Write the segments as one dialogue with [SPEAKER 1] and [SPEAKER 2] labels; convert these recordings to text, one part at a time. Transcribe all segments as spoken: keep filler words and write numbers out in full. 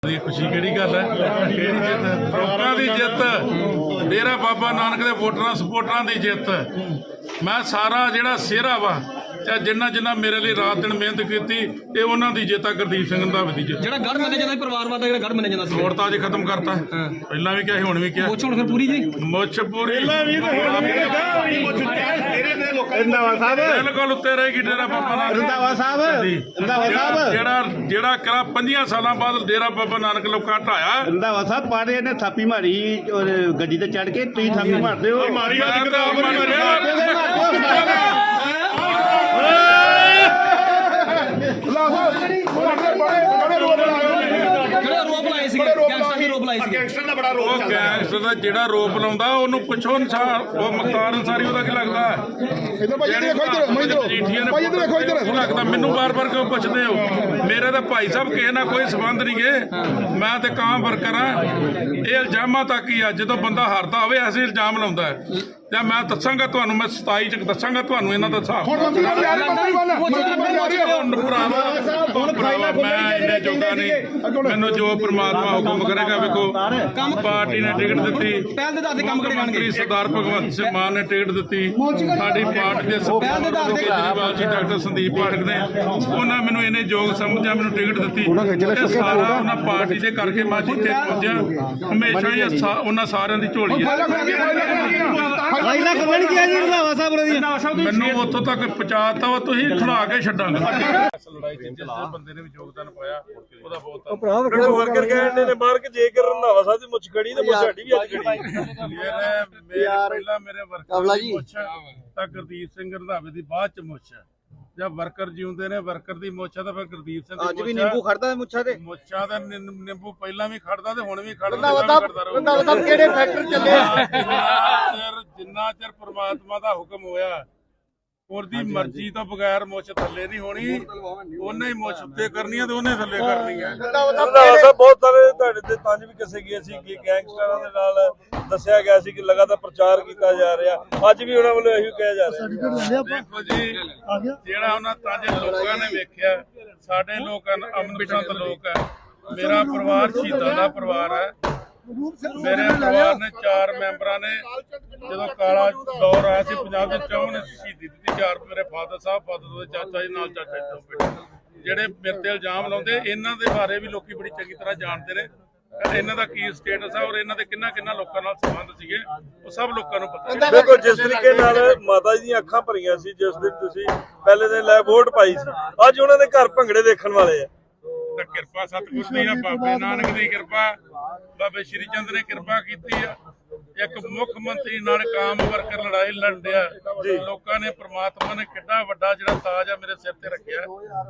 [SPEAKER 1] खुशी केड़ी गल है केड़ी जित लोगों की जित डेरा बाबा नानक के वोटरां सपोर्टरां की जित मैं सारा जिहड़ा सेहरा वा चाहे जिन्ना जिन्ना मेरे लिए रात दिन मेहनत की ये उन्होंने की जित है गुरदीप सिंह रंधावे की जित
[SPEAKER 2] ਜਿਹੜਾ ਗੜ ਮੰਨਿਆ ਜਾਂਦਾ ਪਰਿਵਾਰਵਾਦ ਦਾ ਜਿਹੜਾ ਗੜ ਮੰਨਿਆ ਜਾਂਦਾ ਸੀ
[SPEAKER 1] वोट तो अज खत्म करता पहला भी क्या हुण भी क्या
[SPEAKER 2] ਮੁੱਛ ਹੁਣ ਫਿਰ ਪੂਰੀ ਜੀ
[SPEAKER 1] मुछ पूरी बिल्कुल उत्ते रहेगी डेरा बाबा नानक
[SPEAKER 3] रंधावा साहब रंधावा साहब
[SPEAKER 1] जेड़ा जेड़ा करा पंजियां सालां बाद डेरा बाबा नानक लोकां ढाया
[SPEAKER 3] रंधावा साहब पारे ने थापी मारी और गड्डी ते चढ़ के तुसीं थापी मारदे हो
[SPEAKER 1] मारी
[SPEAKER 2] ਜਿਹੜਾ ਰੋਪ ਲਾਏ ਸੀ ਗੈਂਗਸਟਰ ਦੇ ਰੋਪ ਲਾਏ ਸੀ
[SPEAKER 3] गैंगस्टर दा बड़ा रोल
[SPEAKER 1] ਉਹ ਗੈਂਗਸਟਰ ਦਾ ਜਿਹੜਾ ਰੋਪ ਲਾਉਂਦਾ ਉਹਨੂੰ ਪੁੱਛੋ ਅਨਸਾਰ ਉਹ ਮੁਖਤਾਰ ਅਨਸਾਰੀ ਉਹਦਾ ਕੀ ਲੱਗਦਾ
[SPEAKER 4] ਇਧਰ ਭਾਈ ਇਧਰ ਦੇਖੋ ਇਧਰ ਮੈਂ ਇਧਰ ਭਾਈ ਇਧਰ ਦੇਖੋ ਇਧਰ
[SPEAKER 1] ਲੱਗਦਾ ਮੈਨੂੰ ਬਾਰ-ਬਾਰ ਕਿਉਂ ਪੁੱਛਦੇ ਹੋ ਮੇਰੇ ਤਾਂ ਭਾਈ ਸਾਹਿਬ ਕਿਸੇ ਨਾਲ ਕੋਈ ਸਬੰਧ ਨਹੀਂ ਗੇ ਮੈਂ ਤੇ ਕਾਂ ਵਰਕਰ ਆ ਇਹ ਇਲਜ਼ਾਮਾਂ ਤੱਕ ਹੀ ਆ ਜਦੋਂ ਬੰਦਾ ਹਾਰਦਾ ਹੋਵੇ ਐਸੇ ਇਲਜ਼ਾਮ ਲਾਉਂਦਾ ਹੈ ਜਾਂ ਮੈਂ ਦੱਸਾਂਗਾ ਤੁਹਾਨੂੰ ਮੈਂ ਸਤਾਈ ਚ ਦੱਸਾਂਗਾ ਤੁਹਾਨੂੰ ਇਹਨਾਂ ਦਾ ਹਿਸਾਬ
[SPEAKER 4] ਹੁਣ ਮੰਤਰੀ ਬਣ ਜਾ ਰਹੇ ਮੰਤਰੀ ਬਣ ਮੰਤਰੀ ਬਣ ਜਾ ਰਹੇ
[SPEAKER 1] ਹੁਣ ਭਰਾਵਾ ਹੁਣ ਭਰਾਵਾ ਮੈਂ ਇੰਨੇ ਜੋਗਾ ਨਹੀਂ ਮੈਨੂੰ ਜੋ ਪ੍ਰਮਾਤਮਾ ਹੁਕਮ ਕਰੇਗਾ ਵੇਖੋ ਕੰਮ ਪਾਰਟੀ ਨੇ ਟਿਕਟ ਦਿੱਤੀ
[SPEAKER 2] ਪਹਿਲ ਦੇ ਆਧਾਰ ਤੇ ਕੰਮ ਕਰੇ
[SPEAKER 1] ਮੰਤਰੀ ਸਰਦਾਰ ਭਗਵੰਤ ਸਿੰਘ ਮਾਨ ਨੇ ਟਿਕਟ ਦਿੱਤੀ ਸਾਡੀ ਪਾਰਟੀ ਦੇ ਸਰਦਾਰ ਕੇਜਰੀਵਾਲ ਜੀ ਡਾਕਟਰ ਸੰਦੀਪ ਪਾਠਕ ਨੇ ਉਹਨਾਂ ਮੈਨੂੰ ਇਹਨੇ ਯੋਗ ਸਮਝਿਆ ਮੈਨੂੰ ਟਿਕਟ ਦਿੱਤੀ ਇਹ ਸਾਰਾ ਉਹਨਾਂ ਪਾਰਟੀ ਦੇ ਕਰਕੇ ਮੈਂ ਜਿੱਥੇ ਪਹੁੰਚਿਆ ਹਮੇਸ਼ਾ ਹੀ ਉਹਨਾਂ ਸਾਰਿਆਂ ਦੀ ਝੋਲੀ ਹੈ ਮੈਨੂੰ ਉੱਥੋਂ ਤੱਕ ਪਹੁੰਚਾਤਾ ਵਾ ਤੁਸੀਂ ਖੜਾ ਕੇ ਛੱਡਾਂਗੇ ਲੜਾਈ ਚ ਜਿਸ ਬੰਦੇ ਨੇ ਵੀ ਯੋਗਦਾਨ ਪਾਇਆ ਉਹਦਾ ਬਹੁਤ
[SPEAKER 5] ਵਰਕਰ ਕਹਿੰਦੇ ਨੇ ਬਾਹਰ ਕਿ ਜੇਕਰ ਰੰਧਾਵਾ ਸਾਹਿਬ ਦੀ ਮੁੱਛ ਖੜੀ ਤੇ ਮੁੱਛ ਸਾਡੀ ਵੀ ਅੱਜ ਖੜੀ
[SPEAKER 1] ਮੇਰੇ ਪਹਿਲਾਂ ਮੇਰੇ ਵਰਕਰ ਦੀ ਮੁੱਛ ਤਾਂ ਗੁਰਦੀਪ ਸਿੰਘ ਰੰਧਾਵੇ ਦੀ ਬਾਅਦ ਚ ਮੁੱਛ ਜਦ ਵਰਕਰ ਜਿਉਂਦੇ ਨੇ ਵਰਕਰ ਦੀ ਮੁੱਛ ਤਾਂ ਫਿਰ ਗੁਰਦੀਪ ਸਿੰਘ
[SPEAKER 3] ਅੱਜ ਵੀ ਨਿੰਬੂ ਖੜਦਾ ਮੁੱਛਾਂ ਤੇ
[SPEAKER 1] ਮੁੱਛਾਂ ਦਾ ਨਿੰਬੂ ਪਹਿਲਾਂ ਵੀ ਖੜਦਾ ਤੇ ਹੁਣ ਵੀ ਖੜਦਾ
[SPEAKER 3] ਰੰਧਾਵਾ ਸਾਹਿਬ ਕਿਹੜੇ ਫੈਕਟਰ ਚੱਲੇ
[SPEAKER 1] ਜਿੰਨਾ ਚਿਰ ਪ੍ਰਮਾਤਮਾ ਦਾ ਹੁਕਮ ਹੋਇਆ ਉਹਦੀ ਮਰਜ਼ੀ ਤੋਂ ਬਗੈਰ ਮੁੱਛ ਥੱਲੇ ਨਹੀਂ ਹੋਣੀ ਉਹਨੇ ਹੀ ਮੁੱਛ ਉੱਤੇ ਕਰਨੀ ਹੈ ਤੇ ਉਹਨੇ ਥੱਲੇ ਕਰਨੀ ਹੈ
[SPEAKER 5] ਰੰਧਾਵਾ ਸਾਹਿਬ ਬਹੁਤ ਸਾਰੇ ਤੁਹਾਡੇ ਤੇ ਤੰਜ ਵੀ ਕਿਸੇ ਗਏ ਸੀ ਕਿ ਗੈਂਗਸਟਰਾਂ ਦੇ ਨਾਲ ਦੱਸਿਆ ਗਿਆ ਸੀ ਕਿ ਲਗਾਤਾਰ ਪ੍ਰਚਾਰ ਕੀਤਾ ਜਾ ਰਿਹਾ ਅੱਜ ਵੀ ਉਹਨਾਂ ਵੱਲੋਂ ਇਹੀ ਕਿਹਾ ਜਾ ਰਿਹਾ
[SPEAKER 1] ਦੇਖੋ ਜੀ ਜਿਹੜਾ ਉਹਨਾਂ ਤੰਜ ਲੋਕਾਂ ਨੇ ਵੇਖਿਆ ਸਾਡੇ ਲੋਕ ਅਮਨ ਪਸੰਦ ਲੋਕ ਹੈ ਮੇਰਾ ਪਰਿਵਾਰ ਸ਼ਹੀਦਾਂ ਦਾ ਪਰਿਵਾਰ ਹੈ ਮੇਰੇ ਪਰਿਵਾਰ ਨੇ ਚਾਰ ਮੈਂਬਰਾਂ ਨੇ ਜਦੋਂ ਕਾਲਾ ਦੌਰ ਆਇਆ ਸੀ ਪੰਜਾਬ ਦੇ ਚੌਂ ਨੇ ਸ਼ਹੀਦੀ ਦਿੱਤੀ ਚਾਰ ਮੇਰੇ ਫਾਦਰ ਸਾਹਿਬ ਫਾਦਰ ਦੇ ਚਾਚਾ ਜੀ ਨਾਲ ਚਾਚਾ ਜੀ ਤੋਂ ਬੇਟੇ ਜਿਹੜੇ ਮੇਰੇ ਤੇ ਇਲਜ਼ਾਮ ਲਾਉਂਦੇ ਇਹਨਾਂ ਦੇ ਬਾਰੇ ਵੀ ਲੋਕੀ ਬੜੀ ਚੰਗੀ ਤਰ੍ਹਾਂ ਜਾਣਦੇ ਨੇ ਇਹਨਾਂ ਦਾ ਕੀ ਸਟੇਟਸ ਆ ਔਰ ਇਹਨਾਂ ਦੇ ਕਿੰਨਾ ਕਿੰਨਾ ਲੋਕਾਂ ਨਾਲ ਸੰਬੰਧ ਸੀਗੇ ਉਹ ਸਭ ਲੋਕਾਂ ਨੂੰ ਪਤਾ ਹੈ।
[SPEAKER 5] ਦੇਖੋ ਜਿਸ ਤਰੀਕੇ ਨਾਲ ਮਾਤਾ ਜੀ ਦੀਆਂ ਅੱਖਾਂ ਭਰੀਆਂ ਸੀ ਜਿਸ ਦਿਨ ਤੁਸੀਂ ਪਹਿਲੇ ਦਿਨ ਲੈ ਵੋਟ ਪਾਈ ਸੀ ਅੱਜ ਉਹਨਾਂ ਦੇ ਘਰ ਭੰਗੜੇ ਦੇਖਣ ਵਾਲੇ ਆ
[SPEAKER 1] ਤਾਂ ਕਿਰਪਾ ਸਤਿਗੁਰ ਦੀ ਆ ਬਾਬੇ ਨਾਨਕ ਦੀ ਕਿਰਪਾ ਬਾਬੇ ਸ਼੍ਰੀ ਚੰਦ ਨੇ ਕਿਰਪਾ ਕੀਤੀ ਆ ਇੱਕ ਮੁੱਖ ਮੰਤਰੀ ਨਾਲ ਕਾਮ ਵਰਕਰ ਲੜਾਈ ਲੜਿਆ ਲੋਕਾਂ ਨੇ ਪ੍ਰਮਾਤਮਾ ਨੇ ਕਿੰਨਾ ਵੱਡਾ ਜਿਹੜਾ ਤਾਜ ਆ ਮੇਰੇ ਸਿਰ ਤੇ ਰੱਖਿਆ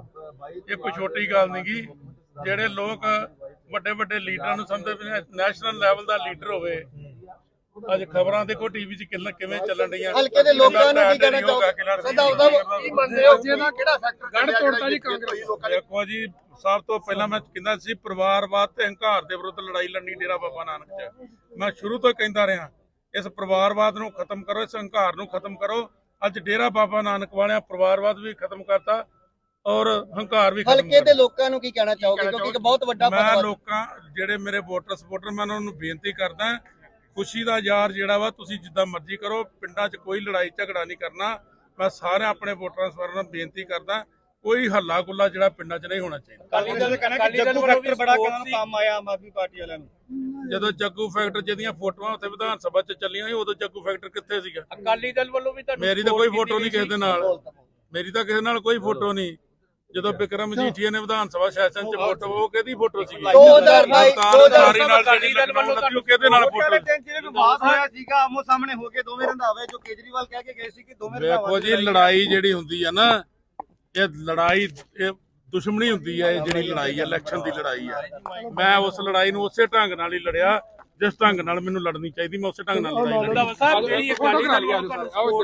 [SPEAKER 1] ਇਹ ਕੋਈ ਛੋਟੀ ਗੱਲ ਨਹੀਂ ਗੀ ਜਿਹੜੇ ਲੋਕ ਵੱਡੇ ਵੱਡੇ ਲੀਡਰਾਂ ਨੂੰ ਸਮਝਦੇ ਨੈਸ਼ਨਲ ਲੈਵਲ ਦਾ ਲੀਡਰ ਹੋਵੇ ਅੱਜ ਖਬਰਾਂ ਦੇਖੋ ਟੀਵੀ 'ਚ ਕਿੰਨਾ ਕਿਵੇਂ ਚੱਲਣ ਰਹੀਆਂ
[SPEAKER 3] ਹਲਕੇ ਦੇ ਲੋਕਾਂ ਨੂੰ ਕੀ ਕਹਿਣਾ ਚਾਹੋਗੇ ਸੰਧਾਵਾ ਸਾਹਿਬ ਕੀ ਮੰਨਦੇ ਹੋ ਜਿਹਦਾ ਕਿਹੜਾ ਫੈਕਟਰ
[SPEAKER 4] ਗੜ ਤੋੜਤਾ ਜੀ ਕਾਂਗਰਸ
[SPEAKER 1] ਦੇਖੋ ਜੀ ਸਭ ਤੋਂ ਪਹਿਲਾਂ ਮੈਂ ਕਹਿੰਦਾ ਸੀ ਪਰਿਵਾਰਵਾਦ ਤੇ ਹੰਕਾਰ ਦੇ ਵਿਰੁੱਧ ਲੜਾਈ ਲੜਨੀ ਡੇਰਾ ਬਾਬਾ ਨਾਨਕ 'ਚ ਮੈਂ ਸ਼ੁਰੂ ਤੋਂ ਕਹਿੰਦਾ ਰਿਹਾ ਇਸ ਪਰਿਵਾਰਵਾਦ ਨੂੰ ਖਤਮ ਕਰੋ ਇਸ ਹੰਕਾਰ ਨੂੰ ਖਤਮ ਕਰੋ ਅੱਜ ਡੇਰਾ ਬਾਬਾ ਨਾਨਕ ਵਾਲਿਆਂ ਪਰਿਵਾਰਵਾਦ ਵੀ ਖਤਮ ਕਰਤਾ ਔਰ ਹੰਕਾਰ ਵੀ
[SPEAKER 3] ਹਲਕੇ ਦੇ ਲੋਕਾਂ ਨੂੰ ਕੀ ਕਹਿਣਾ ਚਾਹੋਗੇ ਕਿਉਂਕਿ ਬਹੁਤ ਵੱਡਾ
[SPEAKER 1] ਮੈਂ ਲੋਕਾਂ ਜਿਹੜੇ ਮੇਰੇ ਵੋਟਰ ਸਪੋਰਟਰ ਮੈਂ ਉਹਨਾਂ ਨੂੰ ਬੇਨਤੀ ਕਰਦਾ ਖੁਸ਼ੀ ਦਾ ਯਾਰ ਜਿਹੜਾ ਵਾ ਤੁਸੀਂ ਜਿੱਦਾਂ ਮਰਜ਼ੀ ਕਰੋ ਪਿੰਡਾਂ 'ਚ ਕੋਈ ਲੜਾਈ ਝਗੜਾ ਨਹੀਂ ਕਰਨਾ ਮੈਂ ਸਾਰੇ ਆਪਣੇ ਵੋਟਰਾਂ ਸਪੋਰਟਰਾਂ ਨੂੰ ਬੇਨਤੀ ਕਰਦਾ ਕੋਈ ਹੱਲਾ ਗੁੱਲਾ ਜਿਹੜਾ ਪਿੰਡਾਂ 'ਚ ਨਹੀਂ ਹੋਣਾ ਚਾਹੀਦਾ
[SPEAKER 3] ਜੱਗੂ ਫੈਕਟਰ ਬੜਾ ਕੰਮ ਆਇਆ ਆਮ ਆਦਮੀ ਪਾਰਟੀ ਵਾਲਿਆਂ ਨੂੰ
[SPEAKER 1] ਜਦੋਂ ਜੱਗੂ ਫੈਕਟਰ ਜਿਹਦੀਆਂ ਫੋਟੋਆਂ ਉੱਥੇ ਵਿਧਾਨ ਸਭਾ 'ਚ ਚੱਲੀਆਂ ਸੀ ਉਦੋਂ ਜੱਗੂ ਫੈਕਟਰ ਕਿੱਥੇ ਸੀਗਾ
[SPEAKER 2] ਅਕਾਲੀ ਦਲ ਵੱਲੋਂ ਵੀ
[SPEAKER 1] ਮੇਰੀ ਤਾਂ ਕੋਈ ਫੋਟੋ ਨਹੀਂ ਕਿਸੇ ਦੇ ਨਾਲ ਮੇਰੀ ਤਾਂ ਕਿਸੇ ਨਾਲ ਕੋਈ ਫੋਟੋ ਨਹੀਂ ਜਦੋਂ ਬਿਕਰਮ ਮਜੀਠੀਆ ਨੇ ਵਿਧਾਨ ਸਭਾ ਸੈਸ਼ਨ 'ਚ ਫੋਟੋ ਉਹ ਕਿਹਦੀ ਫੋਟੋ ਸੀ
[SPEAKER 3] ਦੋ ਹਜ਼ਾਰ ਬਾਈ
[SPEAKER 1] ਦੋ ਹਜ਼ਾਰ ਨਾਲ ਜਿਹੜੀ ਲਖਨਊ ਕਿਹਦੇ ਨਾਲ ਫੋਟੋ
[SPEAKER 3] ਜਿਹੜੇ ਵਿਵਾਦ ਹੋਇਆ ਸੀਗਾ ਆਮੋ ਸਾਹਮਣੇ ਹੋ ਕੇ ਦੋਵੇਂ ਰੰਧਾਵੇ ਜੋ ਕੇਜਰੀਵਾਲ ਕਹਿ ਕੇ ਗਏ ਸੀ ਕਿ ਦੋਵੇਂ
[SPEAKER 1] ਦੇਖੋ ਜੀ ਲੜਾਈ ਜਿਹੜੀ ਹੁੰਦੀ ਆ ਨਾ ਇਹ ਲੜਾਈ ਇਹ ਦੁਸ਼ਮਣੀ ਹੁੰਦੀ ਹੈ ਇਹ ਜਿਹੜੀ ਲੜਾਈ ਹੈ ਇਲੈਕਸ਼ਨ ਦੀ ਲੜਾਈ ਹੈ ਮੈਂ ਉਸ ਲੜਾਈ ਨੂੰ ਉਸੇ ਢੰਗ ਨਾਲ ਹੀ ਲੜਿਆ ਜਿਸ ਢੰਗ ਨਾਲ ਮੈਨੂੰ ਲੜਨੀ ਚਾਹੀਦੀ ਮੈਂ ਉਸੇ ਢੰਗ ਨਾਲ ਲੜਾਈ ਲੜੀ